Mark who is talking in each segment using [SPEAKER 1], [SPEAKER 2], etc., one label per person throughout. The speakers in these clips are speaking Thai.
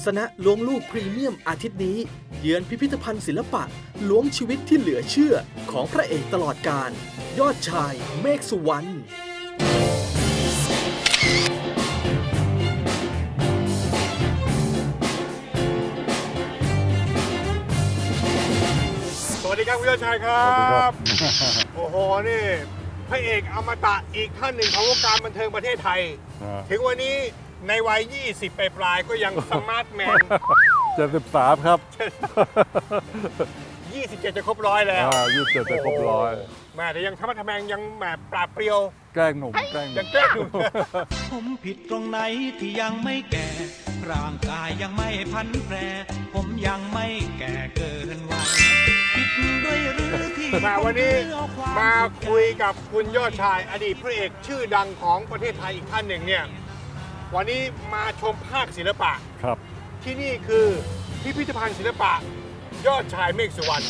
[SPEAKER 1] ษณะล้วงลูกพรีเมียมอาทิตย์นี้เยือนพิพิธภัณฑ์ศิลปะล้วงชีวิตที่เหลือเชื่อของพระเอกตลอดกาลยอดชายเมฆสุวรรณ
[SPEAKER 2] สวัสดีครับคุณยอดชายครับโอ้โหนี่พระเอกอมตะอีกท่านหนึ่งของวงการบันเทิงประเทศไทยถึงวันนี้ในวัย 20 ปลายๆก็ยังสมาร์ทแมน
[SPEAKER 3] 73 ครับ
[SPEAKER 2] 27 จะครบร้อยแล้ว
[SPEAKER 3] 27 จะครบร้อย
[SPEAKER 2] แม่แต่ยังธรรมะทแมงยังแบบปราบเปรียว
[SPEAKER 3] แกล้งหนุ่ม
[SPEAKER 2] ยังแกล้งหนุ่ม
[SPEAKER 4] ผมผิดตรงไหนที่ยังไม่แก่ ร่างกายยังไม่พันแปร ผมยังไม่แก่เกินวัยผิดด้วยหรือที่
[SPEAKER 2] มาวันนี้มาคุยกับคุณยอดชายอดีตพระเอกชื่อดังของประเทศไทยอีกท่านหนึ่งเนี่ยวันนี้มาชมภาคศิลปะ
[SPEAKER 3] ครับ
[SPEAKER 2] ที่นี่คือพิพิธภัณฑ์ศิลปะยอดชายเมฆสุวรรณ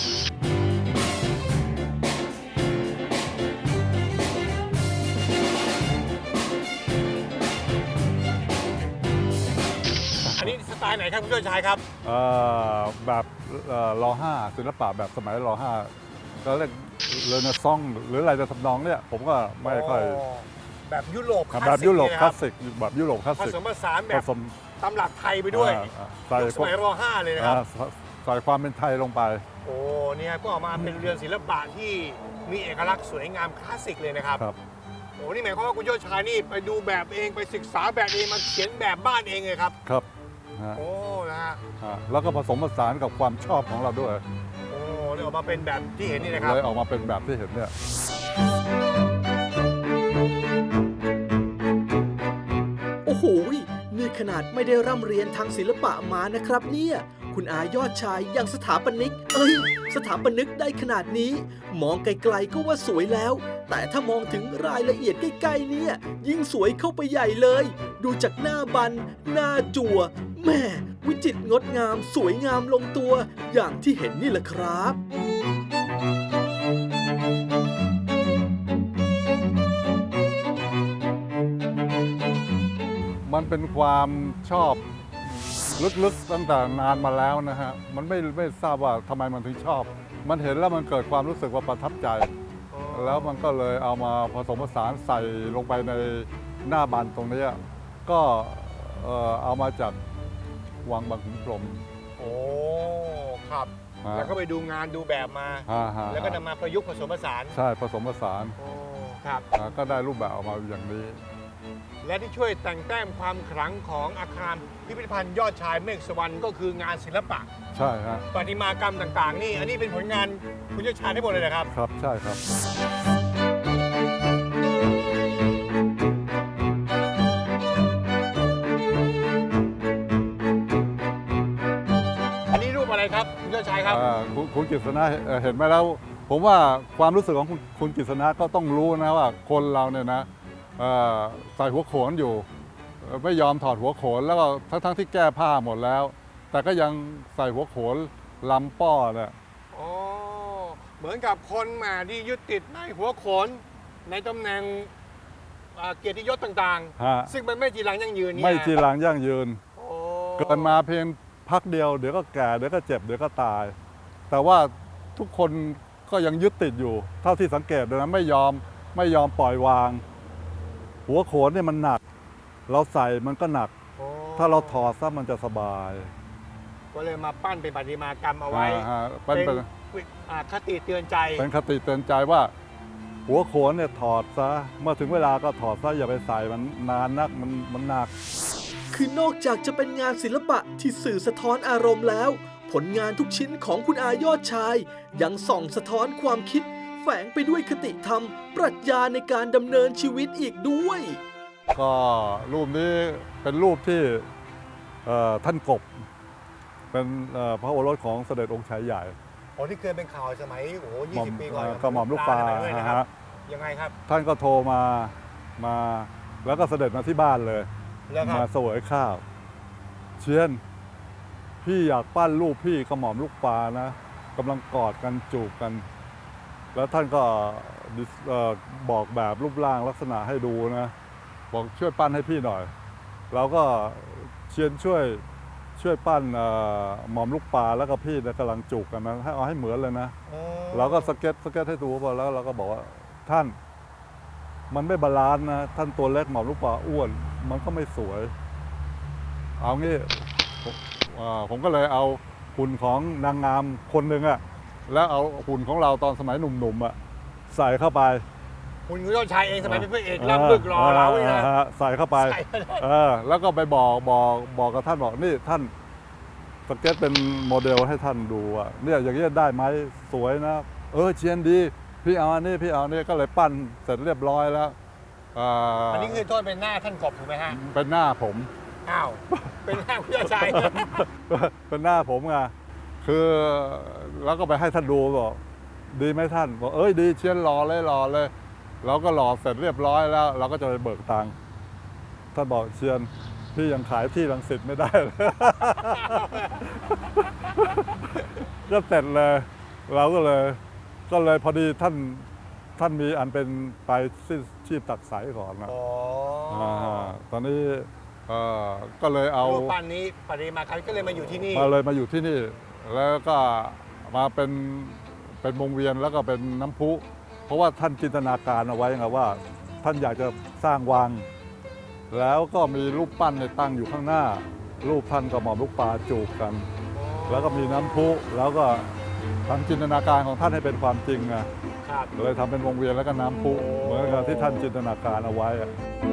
[SPEAKER 2] อันนี้สไตล์ไหนครับคุณยอดชายครับ
[SPEAKER 3] แบบร.5 ศิลปะแบบสมัยร.5 ก็เรียกเรเนซองส์หรืออะไรจะทำนองเนี่ยผมก็ไม่ค่อย
[SPEAKER 2] แบบยุโรปคลาสสิก
[SPEAKER 3] แบบยุโรปคลาสสิกแบบยุโรปคลาส
[SPEAKER 2] ผ
[SPEAKER 3] สิก
[SPEAKER 2] สมผสานแบบตำรับไทยไปด้วยยุคสมัยร.5 เลยนะครับ
[SPEAKER 3] ใส่ความเป็นไทยลงไป
[SPEAKER 2] โอ้เนี่ยก็ออกมาเป็นเรือนศิลปะที่มีเอกลักษณ์สวยงามคลาสสิกเลยนะครับโอ้นี่หมายความว่าคุณยอดชายนี่ไปดูแบบเองไปศึกษาแบบเองมาเขียนแบบบ้านเองเลยครับ
[SPEAKER 3] ครับ
[SPEAKER 2] โอ้นะฮะ
[SPEAKER 3] แล้วก็ผสมผสานกับความชอบของเราด้วย
[SPEAKER 2] โอ้เลยออกมาเป็นแบบที่เห็นนี่นะครับ
[SPEAKER 3] เลยออกมาเป็นแบบที่เห็นเนี่ย
[SPEAKER 1] โอ้โหนี่ขนาดไม่ได้ร่ำเรียนทางศิลปะมานะครับเนี่ยคุณอายอดชายยังสถาปนิกสถาปนิกได้ขนาดนี้มองไกลๆก็ว่าสวยแล้วแต่ถ้ามองถึงรายละเอียดใกล้ๆเนี่ยยิ่งสวยเข้าไปใหญ่เลยดูจากหน้าบันหน้าจั่วแม่วิจิตรงดงามสวยงามลงตัวอย่างที่เห็นนี่แหละครับ
[SPEAKER 3] มันเป็นความชอบลึกๆตั้งแต่นานมาแล้วนะฮะมันไม่ทราบว่าทำไมมันถึงชอบมันเห็นแล้วมันเกิดความรู้สึกว่าประทับใจแล้วมันก็เลยเอามาผสมผสานใส่ลงไปในหน้าบันตรงนี้ก็เอามาจากวังบางขุนพรหม
[SPEAKER 2] โอ้ครับแล้วก็ไปดูงานดูแบบมาแล้วก็นำมาประยุกต์ผสมผสาน
[SPEAKER 3] ใช่ผสมผสาน
[SPEAKER 2] โอ้ครับ
[SPEAKER 3] ก็ได้รูปแบบออกมาอย่างนี้
[SPEAKER 2] และที่ช่วยแต่งแต้มความขลังของอาคารพิพิธภัณฑ์ยอดชายเมฆสุวรรณก็คืองานศิลปะ
[SPEAKER 3] ใช่ฮะ
[SPEAKER 2] ประติมากรรมต่างๆนี่อันนี้เป็นผลงานคุณยอดชายทั้งหมดเลยนะครับ
[SPEAKER 3] ครับใช่ครับ
[SPEAKER 2] อันนี้รูปอะไรครับคุณยอดชายครับ
[SPEAKER 3] คุณกฤษณะเห็นไหมแล้วผมว่าความรู้สึกของคุณกฤษณะก็ต้องรู้นะว่าคนเราเนี่ยนะใส่หัวโขนอยู่ไม่ยอมถอดหัวโขนแล้วก็ทั้งที่แก้ผ้าหมดแล้วแต่ก็ยังใส่หัวโขนลำป้อเนี่ย
[SPEAKER 2] อ๋อเหมือนกับคนมาที่ยึดติดในหัวโขนในตำแหน่งเกียรติยศต่างๆซึ่งมันไม่จีรังยั่งยืน
[SPEAKER 3] ไม่จีรังยั่งยืนเกิดมาเพียงพักเดียวเดี๋ยวก็แก่เดี๋ยวก็เจ็บเดี๋ยวก็ตายแต่ว่าทุกคนก็ยังยึดติดอยู่เท่าที่สังเกตนะไม่ยอมปล่อยวางหัวโขนเนี่ยมันหนักเราใส่มันก็หนักถ้าเราถอดซะมันจะสบาย
[SPEAKER 2] ก็เลยมาปั้นเป็นประติมากรรมเอาไว้เป็นคติเตือนใจ
[SPEAKER 3] เป็นคติเตือนใจว่าหัวโขนเนี่ยถอดซะเมื่อถึงเวลาก็ถอดซะอย่าไปใส่มันนานนักมันหนัก
[SPEAKER 1] คือนอกจากจะเป็นงานศิลปะที่สื่อสะท้อนอารมณ์แล้วผลงานทุกชิ้นของคุณอายอดชายยังส่องสะท้อนความคิดแฝงไปด้วยคติธรรมปรัชญาในการดำเนินชีวิตอีกด้วย
[SPEAKER 3] ก็รูปนี้เป็นรูปที่ท่านกบเป็นพระโอรสของเสด็จองค์ชายใหญ่
[SPEAKER 2] ที่เคยเป็นข่าวสมัย20 ปีก่อน
[SPEAKER 3] ก็หม่อมลูกปลา
[SPEAKER 2] ฮะยังไงครับ
[SPEAKER 3] ท่านก็โทรมาแล้วก็เสด็จมาที่บ้านเลยมาเสวยข้าวเชียนพี่อยากปั้นรูปพี่กับหม่อมลูกปลานะกำลังกอดกันจูบกันแล้วท่านก็บอกแบบรูปร่างลักษณะให้ดูนะบอกช่วยปั้นให้พี่หน่อยเราก็เชียนช่วยช่วยปั้นหม่อมลูกปลาแล้วก็พี่เนี่ยกำลังจุกกันนะให้เอาให้เหมือนเลยนะ
[SPEAKER 2] อ๋อ
[SPEAKER 3] เราก็สเก็ตให้ดูพอแล้วเราก็บอกว่าท่านมันไม่บาลานซ์นะท่านตัวเล็กหม่อมลูกปลาอ้วน มันก็ไม่สวย เอางี้ผมก็เลยเอาหุ่นของนางงามคนหนึ่งอะแล้วเอาหุ่นของเราตอนสมัยหนุ่มๆอะใส่เข้าไป
[SPEAKER 2] คุณยอดชายเองสมัยเป็นพระเอกล่ำบึกรอเราเลยนะ
[SPEAKER 3] ใส่เข้าไป
[SPEAKER 2] ใส่ไปเลย
[SPEAKER 3] แล้วก็ไปบอกกับท่านบอกนี่ท่านสเก็ตเป็นโมเดลให้ท่านดูอ่ะเนี่ยอย่างนี้ได้ไหมสวยนะเชียนดีพี่เอาอันนี้พี่เอานี่ก็เลยปั้นเสร็จเรียบร้อยแล้ว
[SPEAKER 2] อันนี้คือโทษเป็นหน้าท่านกบถูกไหมฮะ
[SPEAKER 3] เป็นหน้าผม
[SPEAKER 2] อ้าว เป็นหน้าคุณยอดชาย
[SPEAKER 3] เป็นหน้าผมไงคือแล้วก็ไปให้ท่านดูบอกดีไหมท่านบอกดีเชียนหล่อเลยเราก็หล่อเสร็จเรียบร้อยแล้ว เราก็จะไปเบิกตังค์ท่านบอกเชียนพี่ยังขายที่รังสิตไม่ได้เลย ก็เสร็จเลยเราก็เลยพอดีท่านมีอันเป็นไปชีพตักใสก่อนนะ
[SPEAKER 2] อ๋อ
[SPEAKER 3] ตอนนี้ก็เลยเอา
[SPEAKER 2] รูปปั้นนี้ปริมาคันก็เลยมาอยู่ที่นี่
[SPEAKER 3] มาอยู่ที่นี่ แล้วก็มาเป็นวงเวียนแล้วก็เป็นน้ำพุเพราะว่าท่านจินตนาการเอาไว้ไงว่า ท่านอยากจะสร้างวัง แล้วก็มีรูปปั้นในตั้งอยู่ข้างหน้า รูปท่านกับหม่อมลูกปลาจูบกัน แล้วก็มีน้ำพุแล้วก็ทำจินตนาการของท่านให้เป็นความจริงไง
[SPEAKER 2] ครับ
[SPEAKER 3] เลยทำเป็นวงเวียนแล้วก็น้ำพุเหมือนกับที่ท่านจินตนาการเอาไว้อะ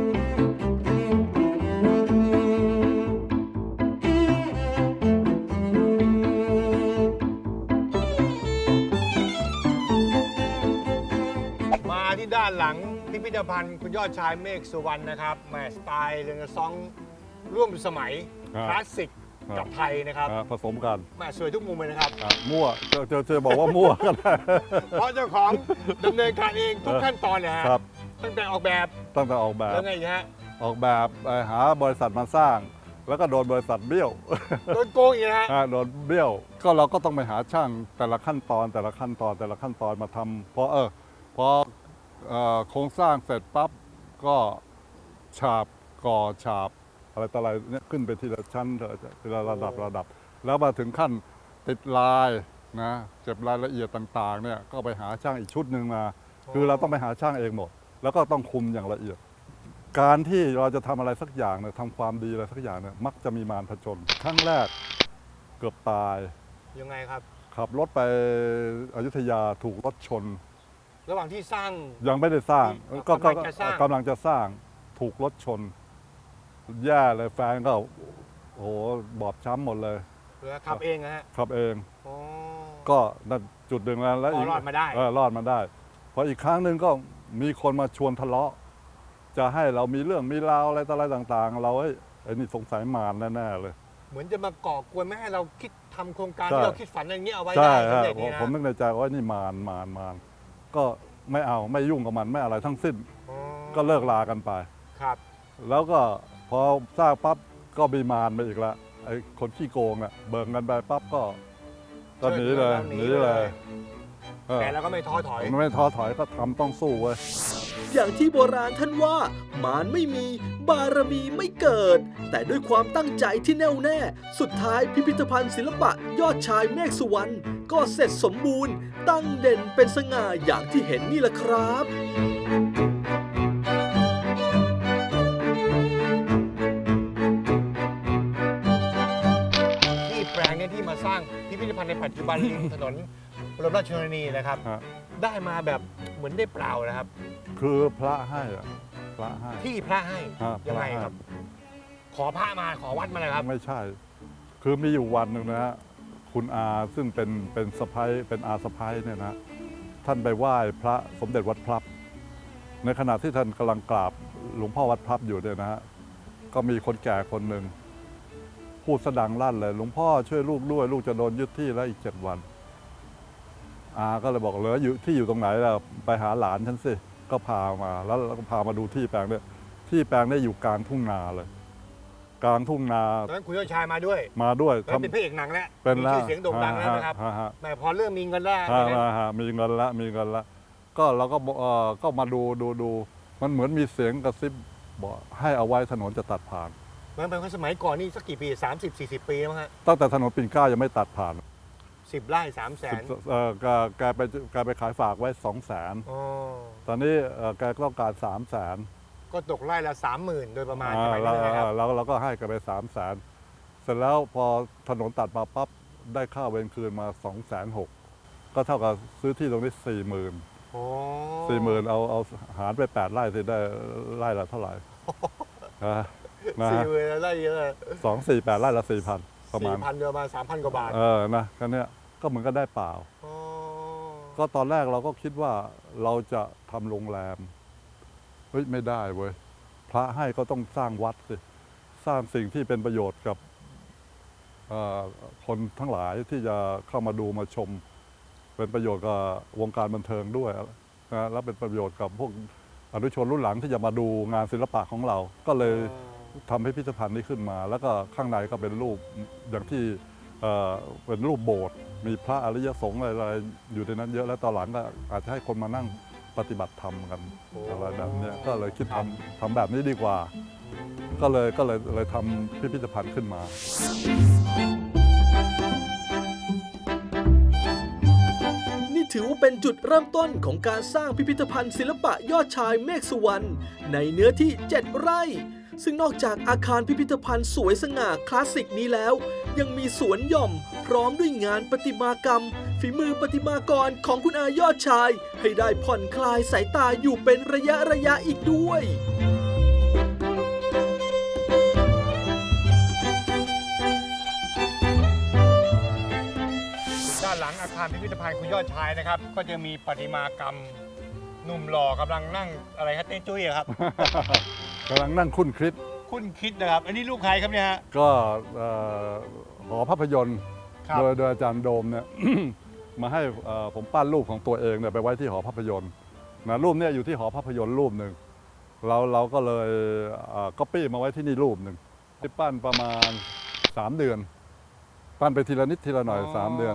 [SPEAKER 2] มาที่ด้านหลังพิพิธภัณฑ์คุณยอดชายเมฆสุวรรณนะครับแหมสไตล์เรเนซองส์ร่วมสมัยคลาสสิกกับไทยนะครับ
[SPEAKER 3] ผสมกัน
[SPEAKER 2] แหมสวยทุกมุมเลยนะครับ
[SPEAKER 3] มั่วเจอบอกว่ามั่วก็ได้
[SPEAKER 2] เพราะเจ้าของดำเนินการเองทุกขั้นตอนเลยฮะ
[SPEAKER 3] ครับ
[SPEAKER 2] ตั้งแต่ออกแบบ
[SPEAKER 3] ตั้งแต่ออกแบบ
[SPEAKER 2] แล้วไงอีกฮะ
[SPEAKER 3] หาบริษัทมาสร้าง แล้วก็โดนบริษัทเบี้ยว
[SPEAKER 2] โดนโกงอีกนะฮะ
[SPEAKER 3] โดนเบี้ยวก็เราก็ต้องไปหาช่างแต่ละขั้นตอนมาทำพอโครงสร้างเสร็จปั๊บก็ฉาบก่อฉาบอะไรต่ออะไรเนี่ยขึ้นไปทีละชั้นทีละระดับแล้วมาถึงขั้นติดลายนะเก็บรายละเอียดต่างๆเนี่ยก็ไปหาช่างอีกชุดหนึ่งมา คือเราต้องไปหาช่างเองหมด แล้วก็ต้องคุมอย่างละเอียด การที่เราจะทำอะไรสักอย่างเนี่ยทำความดีอะไรสักอย่างเนี่ยมักจะมีมารผจญครั้งแรกเกือบตาย
[SPEAKER 2] ยังไงครับ
[SPEAKER 3] ขับรถไปอยุธยาถูกรถชน
[SPEAKER 2] ระหว่างที่สร้าง
[SPEAKER 3] ยังไม่ได้สร้าง
[SPEAKER 2] กำลังจะสร้าง
[SPEAKER 3] กำลังจะสร้างถูกรถชน แย่เลยแฟนก็โอ้โหบอบช้ำหมดเลย
[SPEAKER 2] หรือขับเองนะฮะ
[SPEAKER 3] ขับเอง
[SPEAKER 2] อ๋อ
[SPEAKER 3] ก็นั่นจุดหนึ่งแล้ว
[SPEAKER 2] อ๋อรอดมาได้
[SPEAKER 3] รอดมาได้พออีกครั้งหนึ่งก็มีคนมาชวนทะเลาะ จะให้เรามีเรื่องมีราวอะไรต่ออะไรต่างๆ เราไอ้นี่สงสัยมารแน่ๆเลย
[SPEAKER 2] เหมือนจะมาก่อกวนไม่ให้เราคิดทำโครงการ
[SPEAKER 3] ใช่
[SPEAKER 2] ที่เราคิดฝันอย่างนี้เอาไว้
[SPEAKER 3] ใช่
[SPEAKER 2] ได้สำ
[SPEAKER 3] ฮะ
[SPEAKER 2] เร็จนี่นะ
[SPEAKER 3] ผมนึกในใจว่านี่มารก็ไม่เอาไม่ยุ่งกับมันไม่อะไรทั้งสิ้น
[SPEAKER 2] อ๋อ
[SPEAKER 3] ก็เลิกลากันไป
[SPEAKER 2] ครับ
[SPEAKER 3] แล้วก็พอสร้างปั๊บก็มีมารมาอีกแล้วไอ้คนขี้โกงอ่ะเบิ่งกันไปปั๊บก็หนีเลยเออ
[SPEAKER 2] แต่เราก็ไม่ท้อถอย
[SPEAKER 3] ไม่ท้อถอยก็ทำต้องสู้เว้ย
[SPEAKER 1] อย่างที่โบราณท่านว่ามารไม่มีบารมีไม่เกิด แต่ด้วยความตั้งใจที่แน่วแน่ สุดท้ายพิพิธภัณฑ์ศิลปะยอดชายเมฆสุวรรณก็เสร็จสมบูรณ์ ตั้งเด่นเป็นสง่าอย่างที่เห็นนี่แหละครับ
[SPEAKER 2] ที่แปลงเนี้ที่มาสร้างพิพิธภัณฑ์ในปัจจุบันริมถนนบรมราชชนนีนะครับ
[SPEAKER 3] ฮะ
[SPEAKER 2] ได้มาแบบเหมือนได้เปล่านะครับ
[SPEAKER 3] คือพระให้อะพระให้
[SPEAKER 2] ที่พระให้
[SPEAKER 3] ฮะ
[SPEAKER 2] ยังไง
[SPEAKER 3] พะให้
[SPEAKER 2] ครับ ขอพระมาขอวัดมาเลยครับ
[SPEAKER 3] ไม่ใช่ คือมีอยู่วันหนึ่งนะฮะคุณอาซึ่งเป็นสะพ้ายเป็นอาสะพ้ายเนี่ยนะท่านไปไหว้พระสมเด็จวัดพลับ ในขณะที่ท่านกำลังกราบหลวงพ่อวัดพลับอยู่เนี่ยนะฮะก็มีคนแก่คนหนึ่งพูดสะดังลั่นเลยหลวงพ่อช่วยลูกด้วย ลูกจะโดนยึดที่แล้วอีก 7 วันอาก็เลยบอกเหลืออยู่ที่อยู่ตรงไหนแล้วไปหาหลานฉันสิก็พามาแล้วก็พามาดูที่แปลงเนี่ยที่แปลงเนี่ยอยู่กลางทุ่งนาเลย กลางทุ่งนา
[SPEAKER 2] ตอนนั้นคุณยอดชายมาด้วย
[SPEAKER 3] มาด้วย
[SPEAKER 2] ตอนนั้นเป็นพระเอกหนังแล้ว
[SPEAKER 3] เป็น
[SPEAKER 2] มี
[SPEAKER 3] แล้ว
[SPEAKER 2] ชื่อเสียงโด่งดังแล้วนะครับ
[SPEAKER 3] ฮะ
[SPEAKER 2] แหม่พอเริ่มมีเงินแล้ว
[SPEAKER 3] มีเงินละก็เราก็มาดูมันเหมือนมีเสียงกระซิบบอกให้เอาไว้ถนนจะตัดผ่าน
[SPEAKER 2] มันเป็นสมัยก่อนนี่สักกี่ปี30-40 ปีแล้วฮะ
[SPEAKER 3] ตั้งแต่ถนนปิ่นเกล้ายังไม่ตัดผ่าน
[SPEAKER 2] 10 ไร่300,000
[SPEAKER 3] แกไปขายฝากไว้ 200,000
[SPEAKER 2] อ๋อ
[SPEAKER 3] ตอนนี้แกต้องการ 300,000
[SPEAKER 2] ก็ตกไร่ละ 30,000 โดยประมาณใช่ไหมครับ
[SPEAKER 3] เราก็ให้กันไป 300,000 เสร็จแล้วพอถนนตัดมาปั๊บได้ค่าเวรคืนมา 260,000 ก็เท่ากับซื้อที่ตรงนี้ 40,000
[SPEAKER 2] โอ้
[SPEAKER 3] 40,000เอาหารไป8 ไร่สิได้ไร่ละเท่าไหร่นะ
[SPEAKER 2] 40,000ไร่เยอะ
[SPEAKER 3] 248 ไร่ละ 4,000 ประมาณ
[SPEAKER 2] 4,000เดือนมา 3,000 กว่าบาท
[SPEAKER 3] นะแค่เนี้ยก็เหมือนก็ได้เปล่า
[SPEAKER 2] อ๋อ
[SPEAKER 3] ก็ตอนแรกเราก็คิดว่าเราจะทำโรงแรมเฮ้ยไม่ได้เว้ยพระให้ก็ต้องสร้างวัดสิสร้างสิ่งที่เป็นประโยชน์กับคนทั้งหลายที่จะเข้ามาดูมาชม เป็นประโยชน์กับวงการบันเทิงด้วยนะแล้วเป็นประโยชน์กับพวกอนุชนรุ่นหลังที่จะมาดูงานศิลปะของเรา ก็เลยทำให้พิพิธภัณฑ์นี้ขึ้นมา แล้วก็ข้างในก็เป็นรูปอย่างที่เป็นรูปโบสถ์มีพระอริยสงฆ์อะไรๆอยู่ในนั้นเยอะแล้วตอนหลังก็อาจจะให้คนมานั่งปฏิบัติธรรมกันอะไรแบบนี้ก็เลยคิดทำแบบนี้ดีกว่า ก็เลยทำพิพิธภัณฑ์ขึ้นมา
[SPEAKER 1] นี่ถือว่าเป็นจุดเริ่มต้นของการสร้างพิพิธภัณฑ์ศิลปะยอดชายเมฆสุวรรณในเนื้อที่ 7 ไร่ ซึ่งนอกจากอาคารพิพิธภัณฑ์สวยสง่าคลาสสิกนี้แล้ว ยังมีสวนหย่อมพร้อมด้วยงานประติมากรรม ฝีมือประติมากรของคุณอายอดชาย ให้ได้ผ่อนคลายสายตาอยู่เป็นระยะอีกด้วย
[SPEAKER 2] ด้านหลังอาคารพิพิธภัณฑ์คุณยอดชายนะครับ ก็จะมีประติมากรรมหนุ่มหล่อกำลังนั่งอะไรครับเต้นจุ้ยอะครับ
[SPEAKER 3] กำลังนั่งคุ้นคิด
[SPEAKER 2] คุณคิดนะครับ อันนี้รูปใครครับเนี่ยฮะ
[SPEAKER 3] ก็หอภาพยนตร์
[SPEAKER 2] ครับ
[SPEAKER 3] โดยอาจารย์โดมเนี่ย มาให้ผมปั้นรูปของตัวเองเนี่ยไปไว้ที่หอภาพยนตร์นะรูปเนี่ยอยู่ที่หอภาพยนตร์รูปหนึ่งเราก็เลยก๊อปปี้มาไว้ที่นี่รูปหนึ่งที่ปั้นประมาณ 3 เดือน ปั้นไปทีละนิดทีละหน่อย 3 เดือน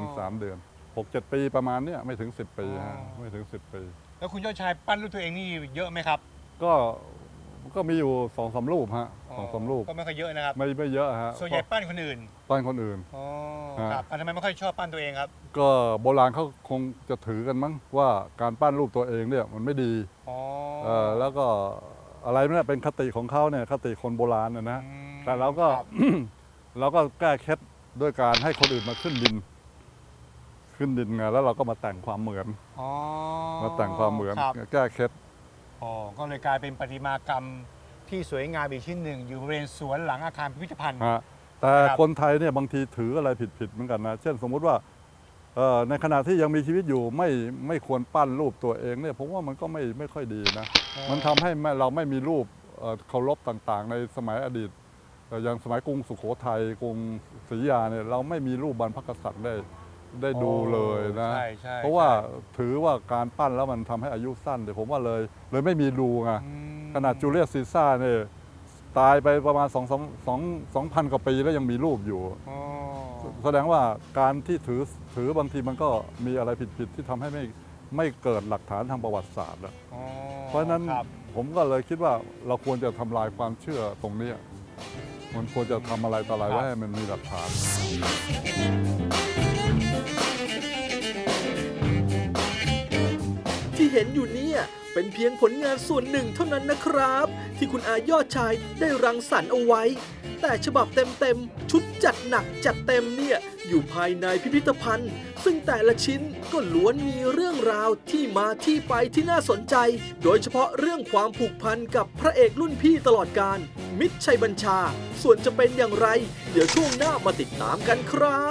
[SPEAKER 3] 6-7 ปีประมาณเนี้ยไม่ถึง 10 ปีฮะไม่ถึง 10 ปี
[SPEAKER 2] แล้วคุณยอดชายปั้นรูปตัวเองนี่เยอะไหมครับ
[SPEAKER 3] ก็มีอยู่2-3 รูปฮะ2-3 รูป
[SPEAKER 2] ก็ไม่ค่อยเยอะนะครับ
[SPEAKER 3] ไม่เยอะฮะ
[SPEAKER 2] ส่วนใหญ่ปั้นคนอื่น
[SPEAKER 3] ปั้นคนอื่น
[SPEAKER 2] อ๋อ
[SPEAKER 3] ฮะ
[SPEAKER 2] ครับทำไมไม่ค่อยชอบปั้นตัวเองครับ
[SPEAKER 3] ก็โบราณเขาคงจะถือกันมั้งว่าการปั้นรูปตัวเองเนี่ยมันไม่ดี
[SPEAKER 2] อ๋อ
[SPEAKER 3] แล้วก็อะไรเนี่ยเป็นคติของเขาเนี่ยคติคนโบราณนะ
[SPEAKER 2] อืม
[SPEAKER 3] แต่เราก็
[SPEAKER 2] ครับ
[SPEAKER 3] เราก็แก้เคล็ดด้วยการให้คนอื่นมาขึ้นดินไงแล้วเราก็มาแต่งความเหมือน
[SPEAKER 2] อ๋อ
[SPEAKER 3] มาแต่งความเหมือน
[SPEAKER 2] ครับ
[SPEAKER 3] แก้เคล็ด
[SPEAKER 2] อ๋อก็เลยกลายเป็นประติมากรรมที่สวยงามอีกชิ้นหนึ่งอยู่บริเวณสวนหลังอาคารพิพิธภัณฑ์
[SPEAKER 3] ฮะแต่
[SPEAKER 2] ครับ
[SPEAKER 3] คนไทยเนี่ยบางทีถืออะไรผิดเหมือนกันนะเช่นสมมุติว่าในขณะที่ยังมีชีวิตอยู่ไม่ควรปั้นรูปตัวเองเนี่ยผมว่ามันก็ไม่ค่อยดีนะ มันทำให้เราไม่มีรูปเคารพต่างๆ ในสมัยอดีตอย่างสมัยกรุงสุโขทัยกรุงศรีอยุธยาเนี่ยเราไม่มีรูปบรรพกษัตริย์ได้ดูเลยนะ
[SPEAKER 2] ใช่ใช่
[SPEAKER 3] เพราะว่าถือว่าการปั้นแล้วมันทำให้อายุสั้นเดี๋ยวผมว่าเลยไม่มีรูไง
[SPEAKER 2] อืม
[SPEAKER 3] ขนาดจูเลียสซีซ่าร์เนี่ยตายไปประมาณ2,000 กว่าปีแล้วยังมีรูปอยู่
[SPEAKER 2] อ๋อ
[SPEAKER 3] แสดงว่าการที่ถือบางทีมันก็มีอะไรผิดที่ทำให้ไม่เกิดหลักฐานทางประวัติศาสตร์อะ
[SPEAKER 2] อ๋อ
[SPEAKER 3] เพราะฉะนั้น
[SPEAKER 2] ครับ
[SPEAKER 3] ผมก็เลยคิดว่าเราควรจะทำลายความเชื่อตรงนี้ มันควรจะทำอะไรต่ออะไรไว้ให้มันมีหลักฐาน
[SPEAKER 1] ที่เห็นอยู่เนี่ยเป็นเพียงผลงานส่วนหนึ่งเท่านั้นนะครับ ที่คุณอายอดชายได้รังสรรค์เอาไว้ แต่ฉบับเต็มๆชุดจัดหนักจัดเต็มเนี่ยอยู่ภายในพิพิธภัณฑ์ ซึ่งแต่ละชิ้นก็ล้วนมีเรื่องราวที่มาที่ไปที่น่าสนใจ โดยเฉพาะเรื่องความผูกพันกับพระเอกรุ่นพี่ตลอดกาลมิตรชัยบัญชา ส่วนจะเป็นอย่างไร เดี๋ยวช่วงหน้ามาติดตามกันครับ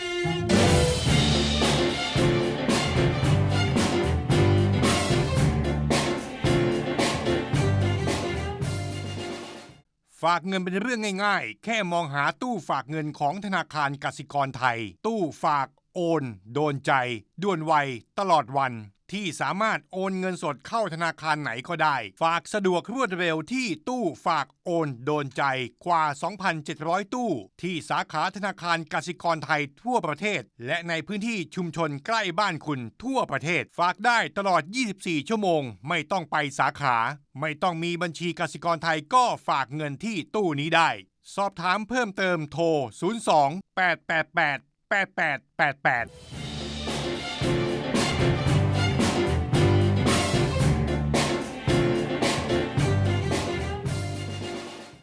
[SPEAKER 2] ฝากเงินเป็นเรื่องง่ายๆ แค่มองหาตู้ฝากเงินของธนาคารกสิกรไทย ตู้ฝากโอน โดนใจ ด่วนไว ตลอดวัน ที่สามารถโอนเงินสดเข้าธนาคารไหนก็ได้ ฝากสะดวกรวดเร็วที่ตู้ฝากโอน โดนใจกว่า 2,700 ตู้ ที่สาขาธนาคารกสิกรไทยทั่วประเทศ และในพื้นที่ชุมชนใกล้บ้านคุณทั่วประเทศ ฝากได้ตลอด 24 ชั่วโมง ไม่ต้องไปสาขา ไม่ต้องมีบัญชีกสิกรไทยก็ฝากเงินที่ตู้นี้ได้สอบถามเพิ่มเติมโทร 02 888 8888